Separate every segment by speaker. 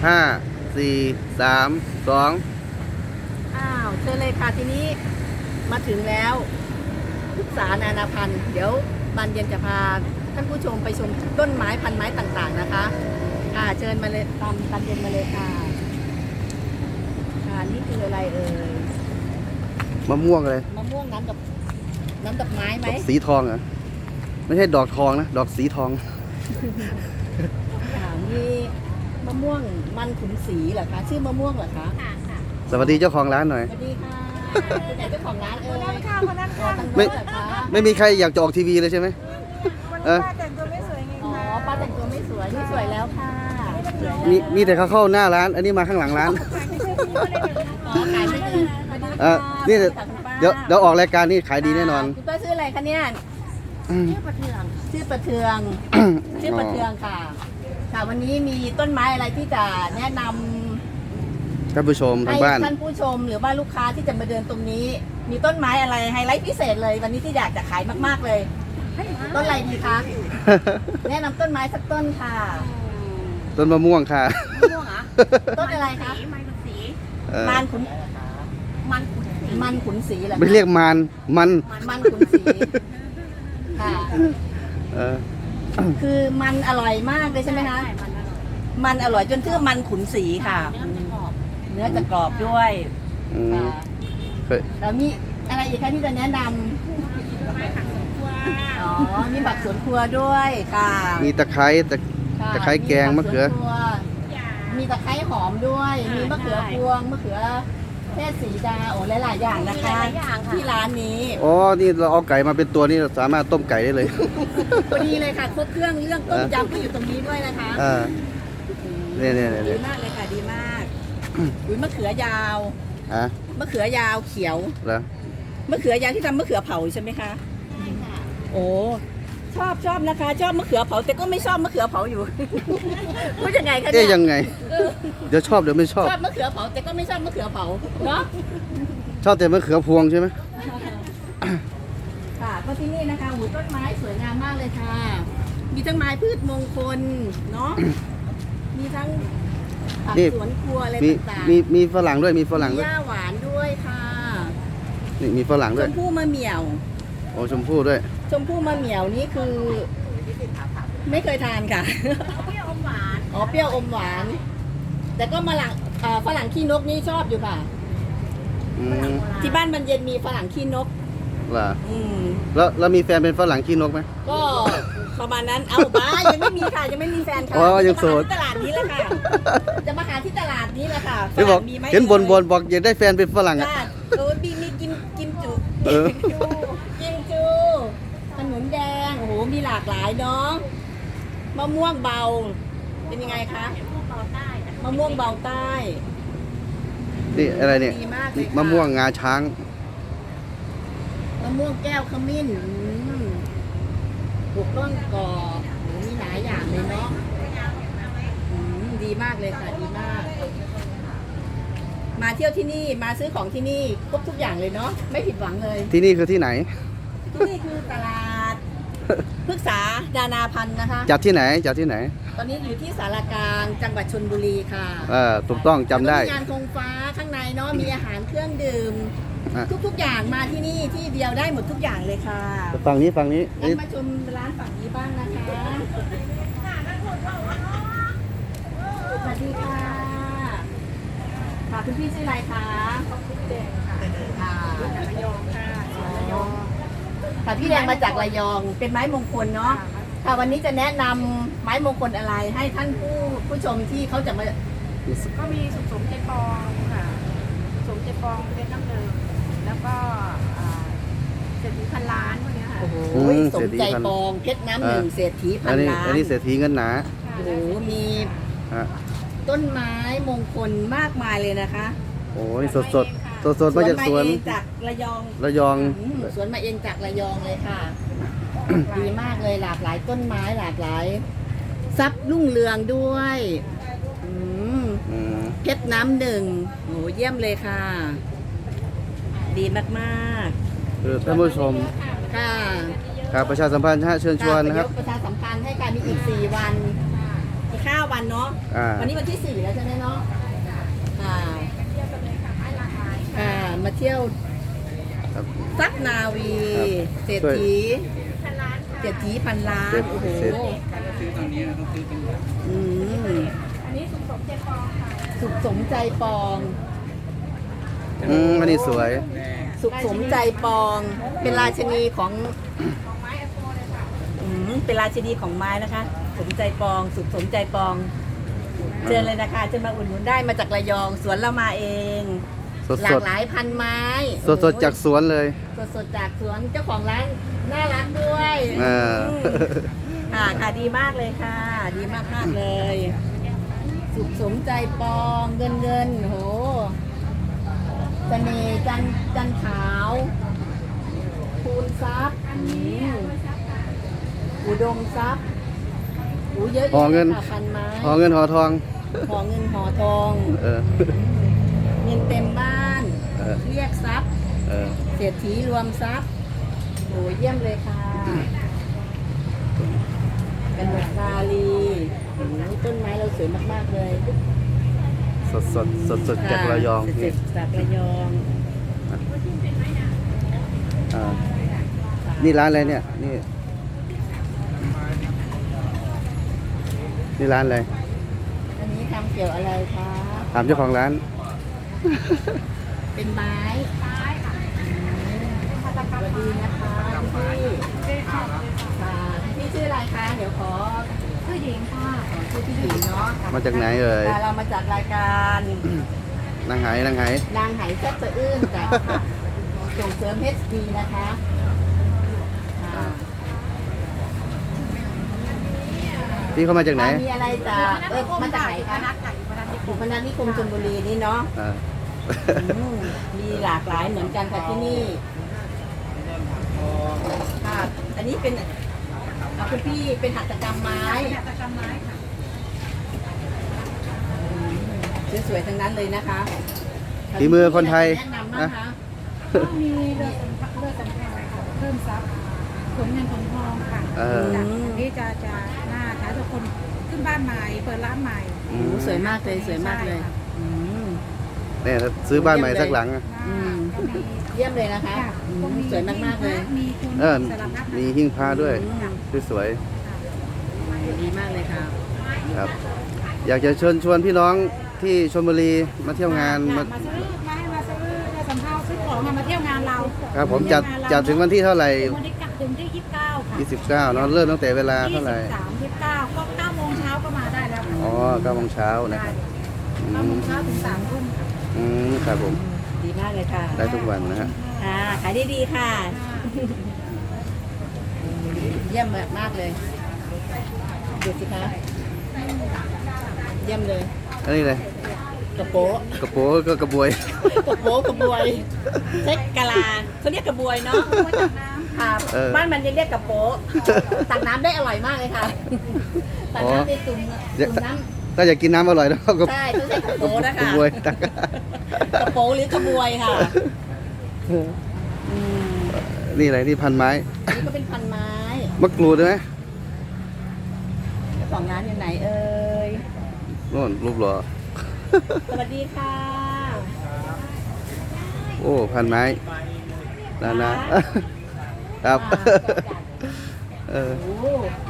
Speaker 1: 5 4 3 2
Speaker 2: เชิญเลยค่ะทีนี้มาถึงแล้วพฤกษานานาพันธุ์เดี๋ยวบานเย็นจะพาท่านผู้ชมไปชมต้นไม้พันไม้ต่างๆนะคะเชิญมาเลยตามบานเย็นมาเลยค่ะนี่คืออะไรเอ่ย
Speaker 1: มะม่วงเลย
Speaker 2: มะม่วงน้ำดอกไม้ไหม
Speaker 1: ดอกสีทองเหรอไม่ใช่ดอกทองนะดอกสีทอง
Speaker 2: มีมะม่วงมันขุนศรีเหรอคะชื่อมะม่วงเหรอคะค่ะ
Speaker 1: สวัสดีเจ้าของร้านหน่อย
Speaker 2: สวัสดีค่ะเป็นไหนเจ้าของร้านเอ่ยค่ะคนนั้นค่ะ
Speaker 1: ไม่มีใครอยากจะออกทีวีเลยใช่ไหม
Speaker 3: ป้าแต่งตัวไม่สวยไง
Speaker 2: อ๋อ
Speaker 3: คะ
Speaker 2: ป้าแต่งตัวไม่สวยนี่สวยแล้วค่ะ
Speaker 1: มีแต่เขาเข้าหน้าร้าน อันนี้มาข้างหลังร้าน
Speaker 2: อ๋อขายไม่ดี
Speaker 1: นี่เดี๋ยวออกรายการนี่ขายดีแน่นอน
Speaker 2: คุณป้าชื่ออะไรคะเนี่ยชื่อประเทืองชื่อประเทืองค่ะค่ะวันนี้มีต้นไม้อะไรที่จะแนะนำ
Speaker 1: ท่านผู้ชมทา
Speaker 2: ให้
Speaker 1: งบ้าน
Speaker 2: ท่านผู้ชมหรือว่าลูกค้าที่จะมาเดินตรงนี้ มีต้นไม้อะไรไฮไลท์พิเศษเลย วันนี้ที่อยากจะขายมากๆเลยต้นอะไรดีคะแนะนำต้นไม้สักต้นค่ะ
Speaker 1: ต้นมะม่วงค่ะ
Speaker 2: ม่วงเหรอต้นอะไรคะ
Speaker 1: เออ
Speaker 2: มันขุนศรีเหรอคะ
Speaker 1: ไม่เรียกมัน
Speaker 2: มันขุนศรีค่ะ
Speaker 1: เออ
Speaker 2: คือมันอร่อยมากเลยใช่ไหมคะมันอร่อยจนชื่อมันขุนศรีค่ะเนื้อจะกรอบด้วย
Speaker 1: อืม
Speaker 2: ค่ะ
Speaker 1: เคย
Speaker 2: แล้วมีอะไรอีกคะที่จะแนะนำอ๋อมีผักสวนครัวด้วยค่ะ
Speaker 1: มีตะไคร้
Speaker 2: ค่ะ
Speaker 1: ตะไคร้แกงมะเขือ
Speaker 2: ผักสวนครัวมีตะไคร้หอมด้วย มีมะเขือพวงมะเขือเทศสีดาโอ้หลายๆอย่างนะคะที่ร้านนี้
Speaker 1: อ๋อ นี่เราเอาไก่มาเป็นตัวนี่เราสามารถต้มไก่ได้เลย
Speaker 2: พอดีเลยค่ะครบเครื่องเรื่องต้มยำก็อยู่ตรงนี้ด้วยนะคะ
Speaker 1: เนี่ย
Speaker 2: ดีมากเลยค่ะดีมากอุ้ยมะเขือยาว
Speaker 1: อ่ะ
Speaker 2: มะเขือยาวเขียว
Speaker 1: แล้ว
Speaker 2: มะเขือยาวที่ทำมะเขือเผาใช่ไหมคะใช่ค่ะโอ้ชอบนะคะ ชอบมะเขือเผาแต่ก็ไม่ชอบมะเขือเผาอยู่ พูดยังไงคะเนี่
Speaker 1: เอ๊ะ
Speaker 2: ย
Speaker 1: ยังไง เดี๋ยวชอบเดี๋ยวไม่ชอบ
Speaker 2: ชอบมะเขือเผาแต่ก็ไม่ชอบมะเขือเผาเนาะ
Speaker 1: ชอบแต่มะเขือพวงใช่ไหม
Speaker 2: ค่ะก็ที่นี่นะคะหูต้นไม้สวยงามมากเลยค่ะ มีทั้งไม้พืชมงคลเนาะมีทั้งผัก
Speaker 1: นี่
Speaker 2: สวนครัวอะไร
Speaker 1: มี
Speaker 2: ต่าง
Speaker 1: มีฝรั่งด้วยมีฝ
Speaker 2: ๆ
Speaker 1: รั่ง
Speaker 2: มี
Speaker 1: ด้ว
Speaker 2: ห
Speaker 1: ย
Speaker 2: ญ้าหวานด้วยค่ะ
Speaker 1: นี่มีฝรั่ง
Speaker 2: ช
Speaker 1: ด้วย
Speaker 2: มพู่มะเหมี่ยว
Speaker 1: โอ้ชมพู่ด้วย
Speaker 2: ชมพู่มะเหมี่ยวนี่คือ ไม่เคยทานค่ะ เปรี้ยวอมหวานอ๋อเปรี้ยวอมหวาน แต่ก็ฝรั่งขี้นกนี่ชอบอยู่ค่ะ
Speaker 1: อืม
Speaker 2: ที่บ้านบรรเย็นมีฝรั่งขี้นก
Speaker 1: เหรอ
Speaker 2: อืม
Speaker 1: แล้วมีแฟนเป็นฝรั่งขี้นกไหม
Speaker 2: ก็ประมาณนั้น เอาบ้ายังไม่มีค่ะยังไม่มีแฟนค่ะ
Speaker 1: อ๋อยังโสด
Speaker 2: จะมาหาที่ตลาดนี้แหละค่ะ จะมาหาที่ตลาดนี้แหละค่ะ
Speaker 1: ที่บอก
Speaker 2: ฝรั่งมีไหม
Speaker 1: เห็นบนบอกอยากได้แฟนเป็นฝรั่งอ่ะ
Speaker 2: จ้าโอ้มีกิมจุ
Speaker 1: เออ
Speaker 2: กิมจูขนุนแดงโอ้โหมีหลากหลายเนาะมะม่วงเบา เป็นยังไงคะมะม่วงเบาใต้
Speaker 1: นี่อะไรเนี่ย
Speaker 2: ดีมากเลยค่ะ
Speaker 1: มะม่วงงาช้าง
Speaker 2: มะม่วงแก้วขมิ้นปลูกต้นกอกโหมีหลายอย่างเลยเนาะดีมากเลยค่ะดีมาก มาเที่ยวที่นี่มาซื้อของที่นี่ครบทุกอย่างเลยเนาะไม่ผิดหวังเลย
Speaker 1: ที่นี่คือที่ไหน
Speaker 2: ที่นี่คือตลาดพฤกษาดานาพันธ์นะคะ
Speaker 1: จัดที่ไหนจัดที่ไหน
Speaker 2: ตอนนี้อยู่ที่สารกลางจังหวัดชลบุรีค่ะ
Speaker 1: ถูกต้องจำได้
Speaker 2: แล้วก็มีงานธงฟ้าข้างในเนาะมีอาหารเครื่องดื่ม
Speaker 1: อ่ะ
Speaker 2: ทุกๆอย่างมาที่นี่ที่เดียวได้หมดทุกอย่างเลยค่ะ
Speaker 1: ฝั่งนี้ฝั่งนี้
Speaker 2: งั้นมาชมร้านฝั่งนี้บ้างนะคะสวัสดีค่ะค่ะคุณพี่ชื่ออะไรคะพี่แดงค่ะระยองค่ะระยองค่ะพี่แดงมาจากระยองเป็นไม้มงคลเนาะค่ะวันนี้จะแนะนำไม้มงคลอะไรให้ท่านผู้ชมที่เขาจะมา
Speaker 3: ก็มีสมเจปองค่ะสมเจปองเป็นน้ำเดิมแล้วก็เศรษฐีพันล้านพวกเนี้ยค่ะ
Speaker 2: โอ้โห
Speaker 1: อืม
Speaker 2: สมใจปองเพชรน้ำหนึ่งเศรษฐีพั
Speaker 1: อั
Speaker 2: น
Speaker 1: นนี้
Speaker 2: ล้าน
Speaker 1: อันนี้เศรษฐีเงินหนา
Speaker 2: โอ้โหมี
Speaker 1: ฮะ
Speaker 2: ต้นไม้มงคลมากมายเลยนะคะ
Speaker 1: โอ้นี่สดมาจากสวน
Speaker 2: เองจากระยอง
Speaker 1: ระยอง
Speaker 2: สวนมาเองจากระยองเลยค่ะ ดีมากเลยหลากหลายต้นไม้หลากหลายทรัพย์รุ่งเรืองด้วยอืม
Speaker 1: อืม
Speaker 2: เพชรน้ำหนึ่งโหเยี่ยมเลยค่ะ ดีมากๆ
Speaker 1: คือท่านผู้ชม
Speaker 2: ค่ะ
Speaker 1: ครับประชาสัมพันธ์ฮะเชิญชวนนะครับ
Speaker 2: ประชาสัมพันธ์ให้การมีอีก 4 วันอีก5 วันเนาะ
Speaker 1: อ่า
Speaker 2: วันนี้วันที่ 4 แล้วใช่ไหมเนาะมาเที่ยว
Speaker 1: ครับ
Speaker 2: ซักนาวี
Speaker 1: ครับ
Speaker 2: เศรษฐีเศรษฐีพันล้านโอ้โห
Speaker 1: เศรษฐี
Speaker 2: อืม
Speaker 3: อันนี้สุขสมเจปองค่ะ
Speaker 2: สุขสมใจปอง
Speaker 1: อันนี้สวย
Speaker 2: สุขสมใจปอง เป็นราชินีของ
Speaker 3: ของไม้แอปโปเลยค่ะ
Speaker 2: เป็นราชินีของไม้นะคะ สมใจปอง สุขสมใจปอง เชิญเลยนะคะเชิญมาอุดหนุนได้มาจากระยองสวนเรามาเอง
Speaker 1: สด
Speaker 2: หลา
Speaker 1: ส
Speaker 2: ก
Speaker 1: ด
Speaker 2: หลายพันไม้
Speaker 1: สดสดๆจากสวนเลย
Speaker 2: สดๆจากสวนเจ้าของร้านน่ารักด้วย
Speaker 1: อ่า
Speaker 2: ค่ะดีมากเลยค่ะ ดีมากมากๆเลย สุขสมใจปองเงินโหเสน่ห์จันขาวคูณทรัพย์อุดมทรัพย์เยอะ
Speaker 1: ห่อเงิน
Speaker 2: ค่ะพันไม้
Speaker 1: ห่อเงินห่อทอง
Speaker 2: ห่อเงินห่อทอง
Speaker 1: เออ
Speaker 2: เงินเต็มบ้าน
Speaker 1: เออ
Speaker 2: เรียกทรัพย์
Speaker 1: เออ
Speaker 2: เศรษฐีรวมทรัพย์โหเยี่ยมเลยค่ะกันหมดคาลีโอ้โหต้นไม้เราสวยมากๆเลย
Speaker 1: สดสดสดสดๆจากระยอง
Speaker 2: เสร็
Speaker 1: นี่
Speaker 2: จจากระยอง
Speaker 1: อ่านี่ร้านอะไรเนี่ย นี่ร้านอะไร
Speaker 2: อันนี้ทำเกี่ยวอะไรคะ
Speaker 1: ถามเจ้าของร้าน
Speaker 2: เป็นไม้สวัสดีนะคะพี่พี่ชื่ออะไรคะ เดี๋ยวขอ
Speaker 3: ผู้หญิงค่ะ
Speaker 2: ชื่อพี่หญิงเนาะ
Speaker 1: มาจากไหนเอ่ย
Speaker 2: เรามาจากรายการ
Speaker 1: นางไหนางไห
Speaker 2: นางไหแซ่บสะอื้นจากส่งเสริม HD นะคะอ่า
Speaker 1: พี่เขามาจากไหน
Speaker 2: มีอะไรจะมาจากไหนคะ
Speaker 3: นัดค่ะอยู่พนัสนิค
Speaker 2: อยู่
Speaker 3: ม
Speaker 2: พนัสนิคมชลบุรีนี่เนาะ
Speaker 1: อ่า
Speaker 2: มีหลากหลายเหมือนกันค่ะที่นี่ค่ะอันนี้เป็นคุณพี่เป็นหัตถกรรมไม้
Speaker 3: หัตถกรรมไม้ค่ะ
Speaker 2: สวยๆทั้งนั้นเลยนะคะ
Speaker 1: ฝีมือคนไทย
Speaker 2: แนะนำบ้าง
Speaker 1: นะ
Speaker 2: คะ
Speaker 3: ก็มีเรือสำคัญค่ะเพิ่มทรัพย์ขนเงินขนทองค่ะ
Speaker 1: เออ
Speaker 3: จากที่จะหน้าท้ายทุกคนขึ้นบ้านใหม่เปิดร้านใหม่
Speaker 2: โอ้โหสวยมากเลยสวยมากเลย
Speaker 3: ใช่ค่ะ
Speaker 2: อืม
Speaker 1: เนี่ยถ้าซื้อบ้านใหม่สักหลังอะ
Speaker 2: อืม
Speaker 3: ก็มี
Speaker 2: เยี่ยมเลยนะคะ
Speaker 3: ค่ะ
Speaker 2: อื
Speaker 3: ก็
Speaker 2: มสวยมากๆเลย
Speaker 3: มีคุณ
Speaker 1: เออ
Speaker 3: สารพัด
Speaker 1: มีหิ้งพระด้วย สวย
Speaker 2: ดีมากเลยค่ะ
Speaker 1: ๆครับ อยากจะเชิญชวนพี่น้องที่ชลบุรีมาเที่ยวงาน
Speaker 3: มาซื้อมาให้มาซื้อเรือสำเภาซื้อของมาเที่ยวงานเรา
Speaker 1: ครับผมจัดถึงวันที่เท่าไหร่
Speaker 3: วันที่ถึงที่29ค่ะ
Speaker 1: 29เนอะเริ่มตั้งแต่เวลาเท่าไหร่
Speaker 3: 23 29ก็9โมงเช้าก็มาได้แล้วค่ะ
Speaker 1: อ๋อ9โมงเช้านะครับอื
Speaker 3: 9โม
Speaker 1: ม
Speaker 3: งเช้าถึง3ทุ่มค่ะ
Speaker 1: ครับผม
Speaker 2: ดีมากเลยค่ะ
Speaker 1: ได้ทุกวันนะฮะ
Speaker 2: ค่ะขายดีๆค่ะ เยี่ยมมากเลยดูสิคะเยี่ยมเลย
Speaker 1: อันนี้เลย
Speaker 2: กระโปะ
Speaker 1: กระโปรงก็กระบวย
Speaker 2: กระโปะกระบวยเช็คกะลาเขาเรียกกระบวยเนาะค่ะ
Speaker 1: เออ
Speaker 2: บ้านมันจะเรียกกระโปะตักน้ำได้อร่อยมากเลยค่ะตักน้ำในตุ่มน้ำ
Speaker 1: ถ้าอยากกินน้ำอร่อยแล้วก็
Speaker 2: ใช่ต้องใช้กระโปรงนะคะ
Speaker 1: กระบวยตัก
Speaker 2: กระโปรงหรือกระบวยค่ะอืม
Speaker 1: นี่อะไรนี่พันไม้
Speaker 2: นี่ก็เป็นพันไม้
Speaker 1: มะกรูดใช่ไหม
Speaker 2: เจ้าของร้านอยู่ไหนเอ่ย
Speaker 1: โน่นรูปหล่อ
Speaker 2: สวัสดีค่ะ
Speaker 1: โอ้พันไม้นะครับเออ
Speaker 2: โอ้โห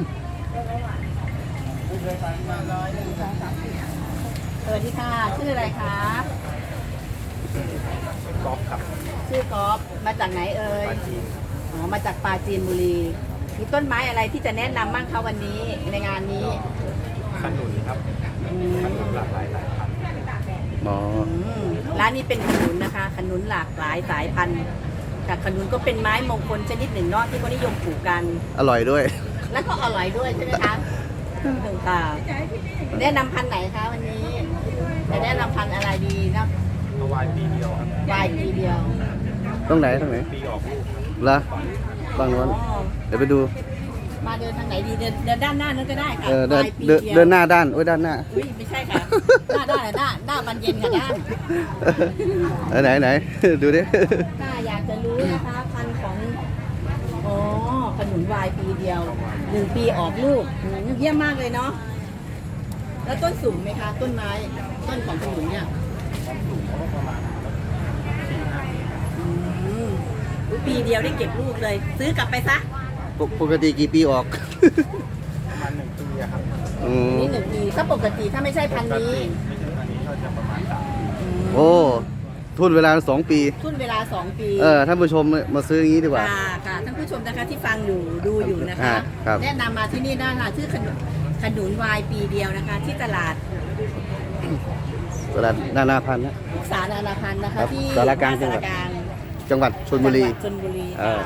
Speaker 2: สวัสดีค่ะ ชื่ออะไรคะก๊อฟครับ ชื่อก๊อฟมาจากไหนเอ่ยอ๋อมาจากปราจีนบุรี มีต้นไม้อะไรที่จะแนะนำบ้างคะวันนี้ในงานนี้
Speaker 4: ขนุนครับ
Speaker 2: อืม
Speaker 4: ขนุนหลากหลายสายพันธุ์
Speaker 1: อ๋อ
Speaker 2: ร้านนี้เป็นขนุนนะคะ ขนุนหลากหลายสายพันธุ์แต่ขนุนก็เป็นไม้มงคลชนิดหนึ่งเนาะที่เขานิยมปลูกกัน
Speaker 1: อร่อยด้วย
Speaker 2: แล้วก็อร่อยด้วยใช่ไหมคะหนึ่งค่ะแนะนำพันธุ์ไหนคะวันนี้จะแนะนำพันธุ์อะไรดีนะ
Speaker 4: เพราะวายปีเดียวครับ
Speaker 2: วายปีเดียว
Speaker 1: ตรงไหน
Speaker 4: ปีออกลูก
Speaker 1: เหรอฝั่งโน้น
Speaker 2: อ๋อ
Speaker 1: เดี๋ยวไปดู
Speaker 2: มาเดินทางไหนดีเดินด้านหน้านั้นก็ได้ค่ะ
Speaker 1: เดิน
Speaker 2: วายปี
Speaker 1: เดิน
Speaker 2: เดียว
Speaker 1: เดินหน้าด้านโอ้ยด้านหน้า
Speaker 2: อุ้ยไม่ใช่ค่ะหน้าด้านหน้าบานเย็นค่ะด้าน
Speaker 1: ไหน ดูดิ
Speaker 2: ถ้าอยากจะรู้นะคะพันธุ์ของอ๋อขนุนวายปีเดียว1 ปีออกลูกเยี่ยมมากเลยเนาะแล้วต้นสูงไหมคะ ต้นไม้ต้นของขนุนเนี่ย
Speaker 4: สูงเขาก็ประมาณ
Speaker 2: อืมปีเดียวได้เก็บลูกเลย ซื้อกลับไปซะ
Speaker 1: ปกติกี่ปีออก
Speaker 4: ประมาณ1 ปีอะครับ
Speaker 1: อืม
Speaker 2: นี่1 ปีถ้าปกติถ้าไม่ใช่พันธุ์นี้
Speaker 4: ไม่ใช่อันนี้ก็จะประมาณ3 ปี
Speaker 1: โอ้ทุนเวลา2 ปี
Speaker 2: ทุนเวลา2 ปี
Speaker 1: ท่านผู้ชมมาซื้ออย่างนี้ดีกว่า
Speaker 2: ค่ะท่านผู้ชมนะคะที่ฟังอยู่ดูอยู่นะคะ
Speaker 1: ครับ
Speaker 2: แนะนำมาที่นี่ได้ค่ะชื่อขนุนวายปีเดียวนะคะ ที่ตลาด
Speaker 1: ตลาดนานาพันธุ์นะ
Speaker 2: พุกษานานาพันธ์นะ
Speaker 1: ครั
Speaker 2: คะ
Speaker 1: บ
Speaker 2: ที่
Speaker 1: สารกลาง
Speaker 2: สารกลาง
Speaker 1: จังหวัดชลบุรี
Speaker 2: จังหวัดชลบุรี
Speaker 1: เออ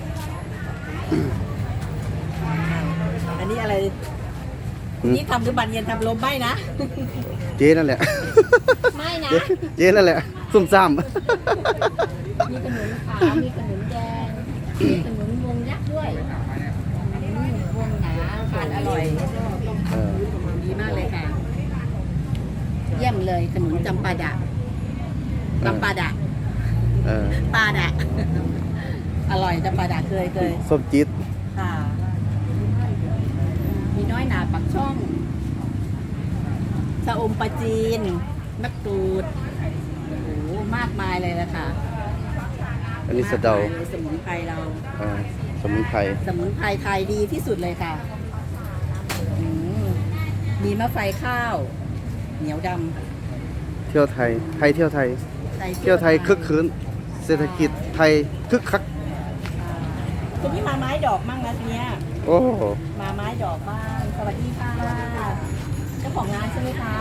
Speaker 2: อันนี้อะไร
Speaker 1: อืม
Speaker 2: นี่ทำหรือบันเย็นทำลมไม่นะ
Speaker 1: เจ๊นั่นแหละ
Speaker 2: ไม่นะ
Speaker 1: เจ๊นั่นแหละ ซุ่มซ่าม
Speaker 2: มีขนุนขาวมีขนุนแดงมีขนุนวงยักษ์ด้วยวงหนาทานอร่อย
Speaker 1: เออ
Speaker 2: ดีมากเลยค่ะ เยี่ยมเลยขนุนจำปาดะจำปาดะ
Speaker 1: เออ
Speaker 2: ปาดะ อร่อยจำปาดะเคย
Speaker 1: ส้มจี๊ด
Speaker 2: ค่ะ มีน้อยหนาปักช่องชะอมปลาจีนมะกรูดโอ้โหมากมายเลยละค่ะ
Speaker 1: อันนี้สะเดา
Speaker 2: มกมยลยสมุนไพรเรา
Speaker 1: เออสมุนไพร
Speaker 2: สมุนไพรไทยดีที่สุดเลยค่ะอืมมีมะไฟข้าว เหนียวด
Speaker 1: เที่ยวไทย ไทยเที่ยวไทย
Speaker 2: ำ
Speaker 1: เที่ยวไทยคึกคืนเศรษฐกิจไทยคึกคัก
Speaker 2: คุณพี่มาไม้ดอกมั่งนะทีเนี้ย
Speaker 1: โอ้
Speaker 2: มาไม้ดอกบ้างสวัสดีค่ะเจ้าของงานใช่ไหมคะ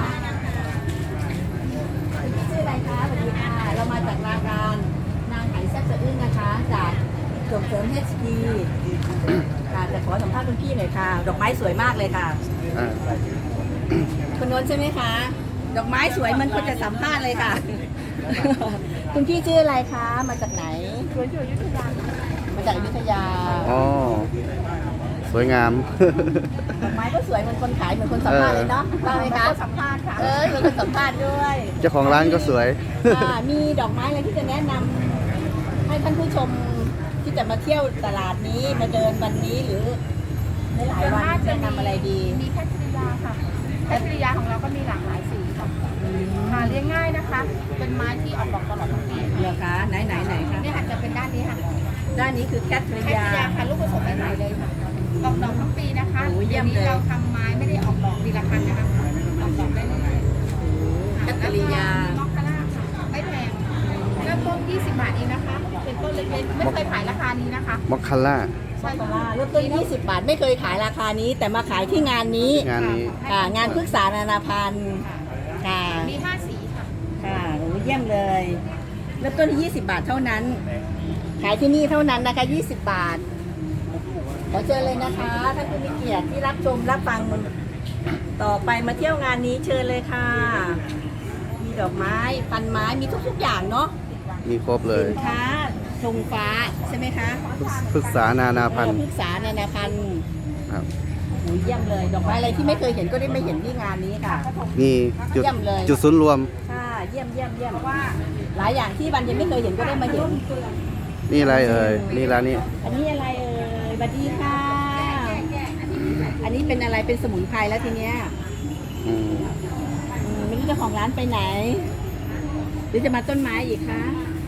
Speaker 2: ชื่ออะไรคะสวัสดีค่ะ เรามาจากรายการนางไหแซ่บสะอื้นนะคะ จากส่งเสริม HP ค่ะจะขอสัมภาษณ์คุณพี่หน่อยค่ะ ดอกไม้สวยมากเลยค่ะ
Speaker 1: อ่า
Speaker 2: คุณนนท์ใช่ไหมคะ ดอกไม้สวยมันควรจะสัมภาษณ์เลยค่ะ คุณพี่ชื่ออะไรคะ มาจากไหน
Speaker 3: สวนอยู่อยุธยา
Speaker 2: มาจากอยุธยา
Speaker 1: อ๋อ สวยงาม
Speaker 2: ดอกไม้ก็สวยเหมือนคนขายเหมือนคนสัมภาษณ์เลยเนาะได้ไหมคะ
Speaker 3: สัมภาษณ์ค่ะ
Speaker 2: เหมือนคนสัมภาษณ์ด้วย
Speaker 1: เจ้าของร้านก็สวย
Speaker 2: มีดอกไม้อะไรที่จะแนะนำให้ท่านผู้ชมที่จะมาเที่ยวตลาดนี้มาเดินวันนี้หรือในหลายวันแนะนำอะไรดี
Speaker 3: มีแคทริยาค่ะแคทริยาของเราก็มีหลากหลายสีค่ะหาเลี้ยงง่ายนะคะ เป็นไม้ที่ออกดอกตลอดทั้งปี
Speaker 2: เหรอคะไหนคะ
Speaker 3: เนี่ยค่ะจะเป็นด้านนี้ค่ะ
Speaker 2: ด้านนี้คือแคทริ
Speaker 3: แคท
Speaker 2: ยา
Speaker 3: ริยาค่ะลูกผสมใหม่ๆเลยค่ะออกดอกทั้งปีนะคะ
Speaker 2: โอ้ยเยี่
Speaker 3: เดี๋
Speaker 2: ย
Speaker 3: ยว
Speaker 2: มเลย
Speaker 3: นี้เราทำไม้ไม่ได้ออกดอกปีละพันนะคะออกดอกได้เรื่อยๆ
Speaker 2: แคทริยา
Speaker 3: มอคคาร่าค่ะไม่แพงเริ่มต้น20 บาทเองนะคะ เป็นต้นเล็กๆไม่เคยขายราคานี้นะคะ
Speaker 1: มอคคาร่า
Speaker 2: ใช่ค่ะเริ่มต้น20 บาทไม่เคยขายราคานี้ แต่มาขายที่งานนี้
Speaker 1: งานนี้
Speaker 2: ค่ะงานพฤกษานานาพันธ์ค่ะ
Speaker 3: มี5 สีค่ะ
Speaker 2: ค่ะโอ้เยี่ยมเลยเริ่มต้นที่20 บาทเท่านั้น ขายที่นี่เท่านั้นนะคะ20 บาทขอเชิญเลยนะคะท่านผู้มีเกียรติที่รับชมรับฟังต่อไปมาเที่ยวงานนี้เชิญเลยค่ะ มีดอกไม้พันไม้มีทุกๆอย่างเนาะ
Speaker 1: มีครบเลย
Speaker 2: สินค้าธงฟ้าใช่ไหมคะ
Speaker 1: ปรึกษานานาพันธุ์
Speaker 2: พฤกษานานาพันธ์
Speaker 1: ครับ
Speaker 2: โอ้เยี่ยมเลย ดอกไม้อะไรที่ไม่เคยเห็นก็ได้มาเห็นที่งานนี้ค่ะ
Speaker 1: มีจุด
Speaker 2: เยี่ยมเลย
Speaker 1: จุดศูนย์รวม
Speaker 2: ค่ะเยี่ยมว่าหลายอย่างที่บันยังไม่เคยเห็นก็ได้มาเห็น
Speaker 1: นี่อะไรเอ่ย นี่ร้านนี้
Speaker 2: อันนี้อะไรเอ่ยสวัสดีค่ะ อันนี้เป็นอะไรเป็นสมุนไพรแล้วทีเนี้ย
Speaker 1: อืม
Speaker 2: ไม่รู้เจ้าของร้านไปไหน หรือจะมาต้นไม้อีกคะ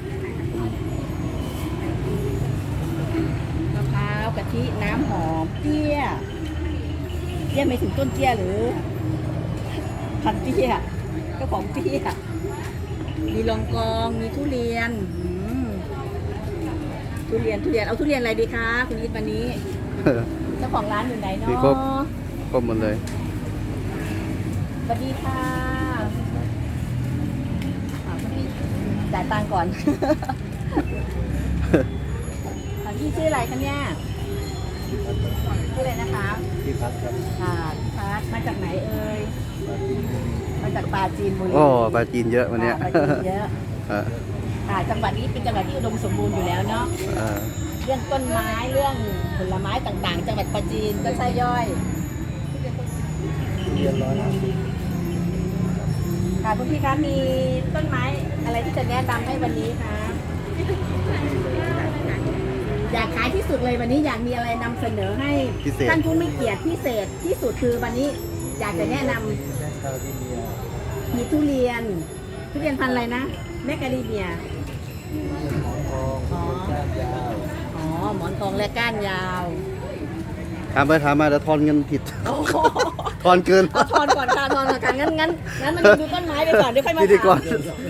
Speaker 2: มะพร้าวกะทิน้ำหอมเตี้ยไม่ถึงต้นเตี้ยหรือพันเตี้ยเจ้าของเตี้ยมีลองกองมีทุเรียนทุเรียนเอาทุเรียนอะไรดีคะคุณอิทวันนี้ เจ้าของร้านอยู่ไหนเนาะ
Speaker 1: มีครบ ครบหมดเลย
Speaker 2: สวัสดีค่ะคุณพี่จ่ายตังค์ก่อน พี่ชื่ออะไรคะเนี่ยชื่ออะไรนะคะ
Speaker 1: พี่พัดครับ
Speaker 2: ค่ะพี่พัดมาจากไหนเอ่ยมาจากปราจีนบุรี
Speaker 1: โอ้ปลาจีนเยอะวันเนี้ย
Speaker 2: ปราจีนเยอะ
Speaker 1: เออ
Speaker 2: ค่ะจังหวัดนี้เป็นจังหวัดที่อุดมสมบูรณ์อยู่แล้วเนาะ
Speaker 1: เออ
Speaker 2: เรื่องต้นไม้เรื่องผลไม้ต่างๆ จังหวัดปราจีนก็ใช่ย่อย
Speaker 1: เรียนร้อย
Speaker 2: ค่ะคุณพี่คะมีต้นไม้อะไรที่จะแนะนำให้วันนี้คะอยากขายที่สุดเลยวันนี้อยากมีอะไรนำเสนอให้
Speaker 1: พิเศษ
Speaker 2: ท่านผู้มีเกียรติพิเศษที่สุดคือวันนี้
Speaker 3: อยากจะแนะนำมีทุเรียนพันธุ์อะไรนะแมคคาเดเมียอ๋อหมอนทองและก้านยาว
Speaker 1: ถามไปถามมาเดี๋ยวทอนเงินผิด
Speaker 3: โอ้โห
Speaker 1: ทอนเกิน
Speaker 3: เอาทอนก่อนค่ะทอนก่อนค่ะงั้นมันดูต้นไม้ไปก่อนเดี๋ยวค่อยมา
Speaker 1: พิธีกร
Speaker 3: ถาม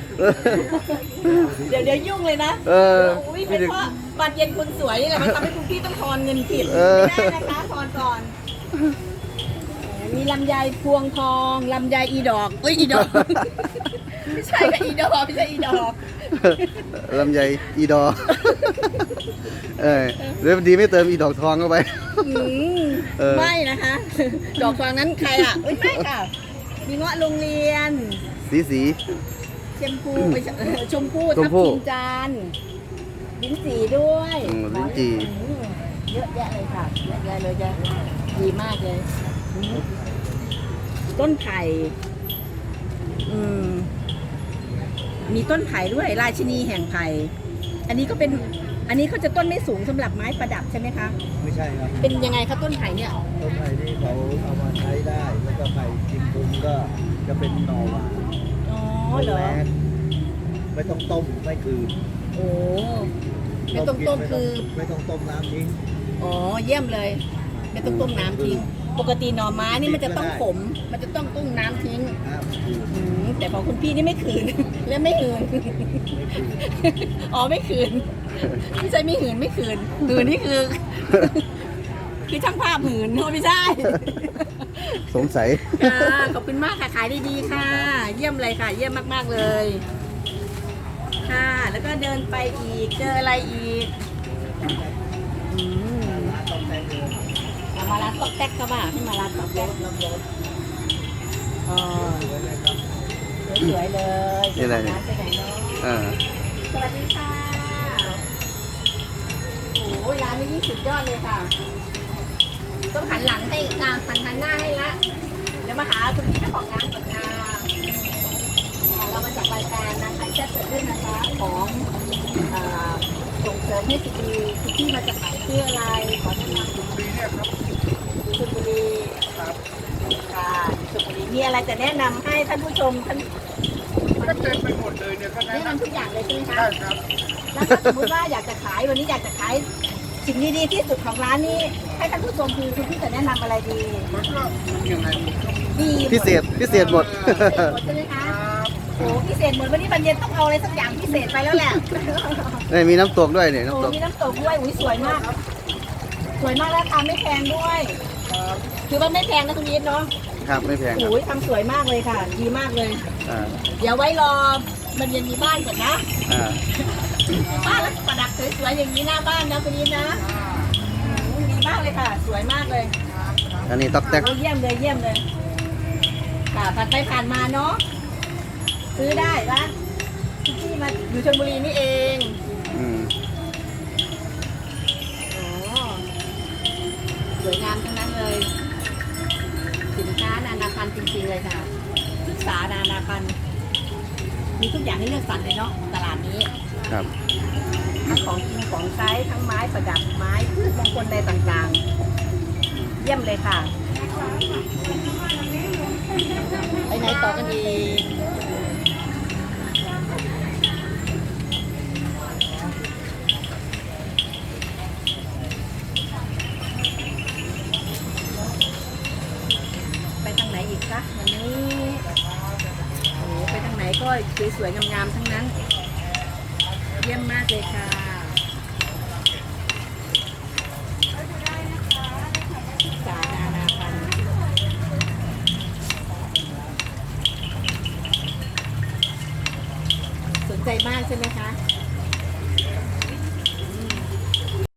Speaker 3: เดี๋ยวยุ่งเลยนะ
Speaker 1: เออ
Speaker 3: อุ้ยเป็นเพราะบัตรเย็นคุณสวยนี่แหละมันทำให้คุณพี่ต้องทอนเงินผิด
Speaker 1: เออ
Speaker 3: ไม่ได้นะคะทอนก่อน มีลำไยพวงทองลำไยอีดอกอีดอก ไม่ใช่ค่ะอีดอกไม่ใช่อีดอก
Speaker 1: ลำไยอีดอ เดี๋ยวดีไม่เติมอีดอกทองเข้าไป
Speaker 3: อืม
Speaker 1: เออ
Speaker 3: ไม่นะคะ ดอกทองนั้นใครอ่ะเอ้ยไม่ค่ะ มีเงาะโรงเรียน
Speaker 1: สี
Speaker 3: ชมพูไม่ใช่ชมพู
Speaker 1: ช
Speaker 3: ทั
Speaker 1: ม
Speaker 3: บ
Speaker 1: พู่
Speaker 3: ทิมจันทร์ลิ้นจี่ด้วย
Speaker 1: ลิ้นจี่
Speaker 3: อืมเยอะแยะเลยค่ะเยอะแยะเลยจะดีมากเลยอืมต้นไผ่อืมมีต้นไผ่ด้วยราชินีแห่งไผ่อันนี้เขาจะต้นไม่สูงสำหรับไม้ประดับใช่ไหมคะ
Speaker 5: ไม่ใช่ครับ
Speaker 3: เป็นยังไงคะต้นไผ่เนี่ย
Speaker 5: ต้นไผ่ที่เขาเอามาใช้ได้ แล้วก็ไผ่กิมบุมก็จะเป็นหน่อหวาน
Speaker 3: อ๋อเหรอ
Speaker 5: แรงไม่ต้องต้มไม่คืน
Speaker 3: โอ้ไม่ต้องต้มคือ
Speaker 5: ไม่ต้องต้มน้ำทิ้ง
Speaker 3: อ๋อเยี่ยมเลย ไม่ต้องต้มน้ำทิ้ง ปกติหน่อไม้นี่มันจะต้องขม มันจะต้องต้มน้ำทิ้ง
Speaker 5: น้ำคืน
Speaker 3: แต่ของคุณพี่นี่ไม่คืน และไม่หืน อ๋อไม่คืน ไม่ใช่ไม่หืนไม่คืนหืนนี่คือ คือช่างภาพหืนไม่ใช่
Speaker 1: สงสัย
Speaker 3: ค่ะขอบคุณมากค่ะขายดีๆค่ะ เยี่ยมเลยค่ะ เยี่ยมมากๆเลย ค่ะ แล้วก็เดินไปอีกเจออะไรอีกอืมมาร้านตอกแตกก็บ้าให้มาร้านตอกแตกอ๋อสวยๆเลย
Speaker 1: นี่อะไรเนี่ย
Speaker 3: ร้านไปไหนเนาะ
Speaker 1: อ่า
Speaker 3: สวัสดีค่ะโอ้ยร้านนี้สุดยอดเลยค่ะต้องหันหลังให้หันหน้าให้ละเดี๋ยวมาหาคุณพี่เจ้าของร้านก่อนนะเรามาจากรายการนะขายแซ่บเกิดขึ้นนะคะของส่งเสริมให้สตรีคุณพี่มาจากไหนชื่ออะไรขอแนะนำชลบุรีเนี่ยครับชลบุรีครับค่ะชลบุรีมีอะไรจะแนะนำให้ท่านผู้ชมท่าน
Speaker 4: ก็เต็มไปหมดเลยเนี่ยก็
Speaker 3: แนะนำทุกอย่างเลยใช่ไหมคะ
Speaker 4: ได้ครับ
Speaker 3: แล้วถ้าสมมติว่าอยากจะขายวันนี้อยากจะขายสิ่งดีๆที่สุดของร้านนี้ให้ท่านผู้ชมคือคุณพี่จะแนะนำอะไรดี
Speaker 4: มันก็ยังไง
Speaker 3: ดี
Speaker 1: พิเศษหมด
Speaker 3: พิเศษหมดใช่ไหมคะโอ้พิเศษหมดวันนี้บรรเย็นต้องเอาอะไรสักอย่างพิเศษไปแล้วแหละ
Speaker 1: นี่มีน้ำตกด้วยเนี่ย
Speaker 3: โอ้
Speaker 1: น้ำตก
Speaker 3: มีน้ำตกด้วยอุ้ยสวยมาก สวยมากแล้วทำไม่แพงด้วยคือว่าไม่แพงนะคุณยิทเนาะ
Speaker 1: ครับไม่แพงครับ
Speaker 3: โอ้ยทำสวยมากเลยค่ะ ดีมากเลย
Speaker 1: อ่า
Speaker 3: เดี๋ยวไว้รอบรรเย็นมีบ้านก่อนนะ
Speaker 1: อ่า
Speaker 3: บ้านแล้วประดับสวยๆอย่างนี้หน้าบ้านนะคุณยิทนะดีมากเลยค่ะ สวยมากเลย
Speaker 1: อันนี้ตอกแตก
Speaker 3: โอ้เยี่ยมเลยเยี่ยมเลยค่ะผ่านไปผ่านมาเนาะซื้อได้ละที่มาอยู่ชลบุรีนี่เอง
Speaker 1: อืม
Speaker 3: อ๋อสวยงามทั้งนั้นเลย สินค้านานาพันธุ์จริงๆเลยค่ะศึกษานานาพันธุ์มีทุกอย่างให้เลือกสรรเลยเนาะตลาดนี้
Speaker 1: ครับ
Speaker 3: ทั้งของกินของใช้ทั้งไม้ประดับไม้พืชมงคลใดต่างๆ เยี่ยมเลยค่ะ ไปไหนต่อกันดีไปทางไหนอีกคะวันนี้โอ้โหไปทางไหนก็สวยๆงามๆทั้งนั้น เยี่ยมมากเลยค่ะสานานาพันธุ์สนใจมากใช่ไหมคะ